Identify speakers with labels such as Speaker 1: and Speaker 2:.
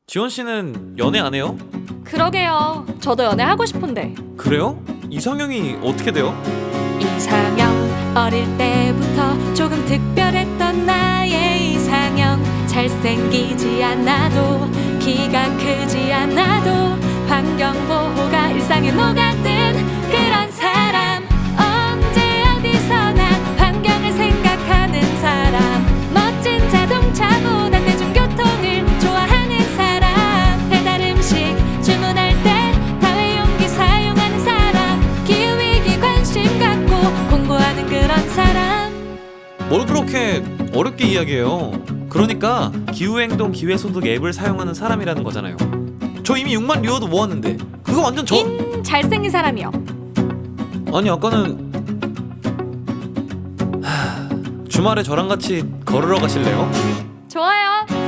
Speaker 1: 지원 씨는 연애 안 해요?
Speaker 2: 그러게요. 저도 연애하고 싶은데.
Speaker 1: 그래요? 이상형이 어떻게 돼요?
Speaker 2: 이상형 어릴 때부터 조금 특별했던 나의 이상형. 잘생기지 않아도 키가 크지 않아도 환경보호가 일상에 녹아든 그런 사람. 언제 어디서나 환경을 생각하는 사람. 멋진 자동차보다 대중교통을 좋아하는 사람. 배달 음식 주문할 때 다회용기 사용하는 사람. 기후위기 관심 갖고 공부하는 그런 사람.
Speaker 1: 뭘 그렇게 어렵게 이야기해요? 그러니까 기후행동 기회소득 앱을 사용하는 사람이라는 거잖아요. 저 이미 6만 리워드 모았는데 그거 완전
Speaker 2: 잘생긴 사람이요.
Speaker 1: 아니 아까는 주말에 저랑 같이 걸으러 가실래요?
Speaker 2: 좋아요.